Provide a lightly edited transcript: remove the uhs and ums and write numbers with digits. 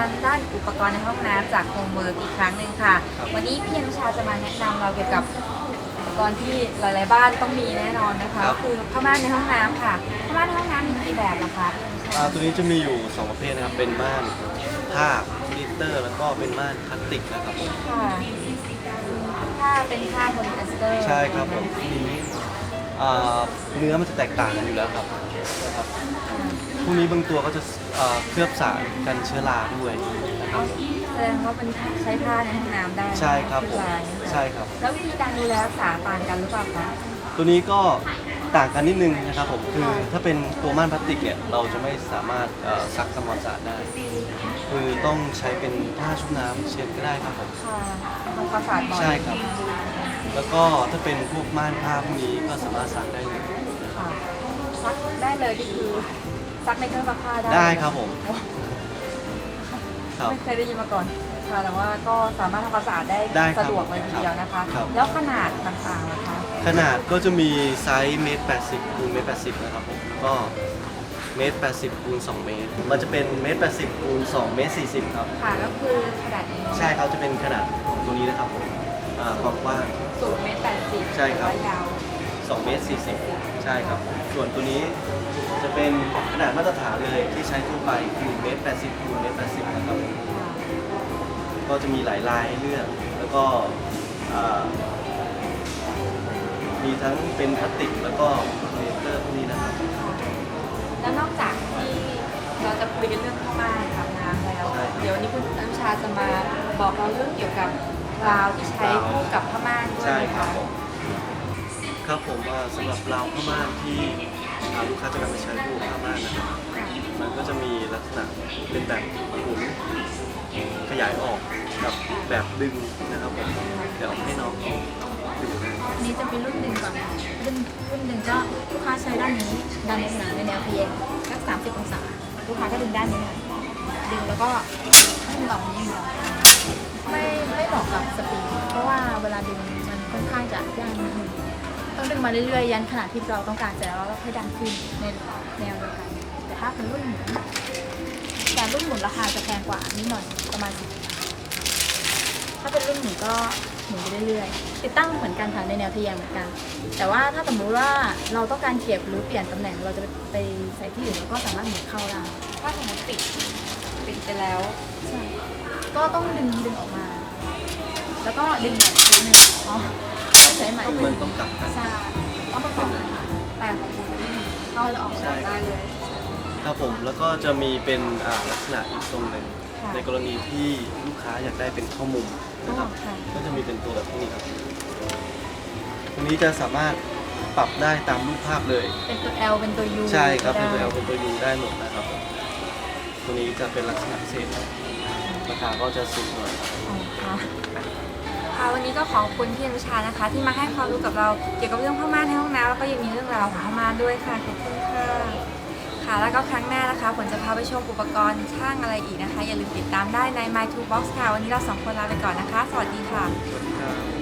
ด้านอุปกรณ์ในห้องน้ำจากโฮมเวิร์กอีกครั้งหนึ่งค่ะวันนี้พี่อนุชาจะมาแนะนำเราเกี่ยวกับอุปกรณ์ที่หลายๆบ้านต้องมีแน่นอนนะคะคือผ้าม่านในห้องน้ำค่ะผ้าม่านในห้องน้ำมีกี่แบบล่ะคะตัวนี้จะมีอยู่2ประเภทนะครับเป็นม่านผ้าพลิเตอร์แล้วก็เป็นม่านพลาสติกนะครับผมค่ะถ้าเป็นผ้าโพลีเอสเตอร์ใช่ครับผมนี้เนื้อมันจะแตกต่างกันอยู่แล้วครับนะครับพวกนี้บางตัวก็จะเคลือบสารกันเชื้อราด้วยนะครับแสดงว่าเป็นใช้ผ้าในห้องน้ำได้ใช่ครับผมใช่ครับแล้ววิธีการดูแลรักษาต่างกันหรือเปล่าคะตัวนี้ก็ต่างกันนิดนึงนะครับผมคือถ้าเป็นตัวม่านพลาสติกเนี่ยเราจะไม่สามารถซักทำความสะอาดได้คือต้องใช้เป็นผ้าชุบน้ำเช็ดก็ได้ครับผมค่ะทำความสะอาดบ่อยใช่ครับแล้วก็ถ้าเป็นพวกม่านผ้าพวกนี้ก็สามารถซักได้เลยค่ะซักได้เลยก็คือซักในเครื่องซักผ้าได้ครับผมไม่เคยได้ยินมาก่อนค่ะแต่ว่าก็สามารถทำความสะอาดได้สะดวกเลยทีเดียวนะคะแล้วขนาดต่างๆล่ะคะขนาดก็จะมีไซส์1.80 คูณ1.80นะครับผมก็1.80 คูณ2 เมตรมันจะเป็น1.80 คูณ2.40 เมตรครับค่ะก็คือขนาดนี้ใช่ครับจะเป็นขนาดตัวนี้นะครับผมความกว้างสูง1.80 ใช่ครับยาว 2.40 เมตรใช่ครับส่วนตัวนี้จะเป็นขนาดมาตรฐานเลยที่ใช้ทั่วไปคือ1.80 คูณ1.80 นะครับก็จะมีหลายลายให้เลือกแล้วก็มีทั้งเป็นพลาสติกแล้วก็พลีเตอร์พวกนี้นะครับแล้วนอกจากที่เราจะคุยกันเรื่องผ้าม่านกับน้ำแล้วเดี๋ยววันนี้คุณอนุชาจะมาบอกเราเรื่องเกี่ยวกับราวที่ใช้คู่กับผ้าม่านด้วยใช่ครับผมครับผมสำหรับราวผ้าม่านที่ลูกค้าจะนำไปใช้คู่ผ้าม่านนะครับมันก็จะมีลักษณะเป็นแบบหมุนขยายออกกับแบบดึงนะครับผมเดี๋ยวให้น้องดึงอันนี้จะเป็นรุ่นหนึ่งก่อนรุ่นหนึ่งก็ลูกค้าใช้ด้านนี้ด้านในสนามในแนวเพียงสัก30 องศาลูกค้าก็ดึงด้านนี้ดึงแล้วก็ให้มันออกนี้ไม่เหมาะกับสปริงเพราะว่าเวลาดึงมันค่อนข้างจะยากนิดนึงต้องดึงมาเรื่อยๆยันขนาดที่เราต้องการเสร็จแล้วเราค่อยดันขึ้นในแนวเดียวกันแต่ถ้าเป็นรุ่นหมุนแต่รุ่นหมุนราคาจะแพงกว่านิดหน่อยประมาณ10 ถ้าเป็นรุ่นหมุนก็หมุนไปเรื่อยๆติดตั้งเหมือนกันค่ะในแนวทะแยงเหมือนกันแต่ว่าถ้าสมมติว่าเราต้องการเก็บหรือเปลี่ยนตำแหน่งเราจะไปใส่ที่อื่นเราก็สามารถหมุนเข้าได้ถ้าสมมติปิดไปแล้วใช่ก็ต้องดึงออกมาแล้วก็ดึงใหม่อีกทีนึงใช้ใหม่มันต้องกลับกันใช่ต้องประกอบกันแต่ของคุณเข้าจะออกได้เลยครับผมแล้วก็จะมีเป็นลักษณะอีกทรงหนึ่งในกรณีที่ลูกค้าอยากได้เป็นข้อมุมนะครับก็จะมีเป็นตัวแบบนี้ครับตัวนี้จะสามารถปรับได้ตามรูปภาพเลยเป็นตัว L เป็นตัว U ใช่ครับเป็นตัว L เป็นตัว U ได้หมดนะครับตัวนี้จะเป็นลักษณะพิเศษราคาก็จะสูงหน่อยค่ะวันนี้ก็ขอบคุณพี่อนุชานะคะที่มาให้ความรู้กับเราเกี่ยวกับเรื่องผ้าม่านในห้องน้ำแล้วก็ยังมีเรื่องราวของผ้าม่านด้วยค่ะขอบคุณค่ะแล้วก็ครั้งหน้านะคะผลจะพาไปชมอุปกรณ์ช่างอะไรอีกนะคะอย่าลืมติดตามได้ใน My Toolbox ค่ะวันนี้เรา2 คนลาไปก่อนนะคะสวัสดีค่ะสวัสดีครับ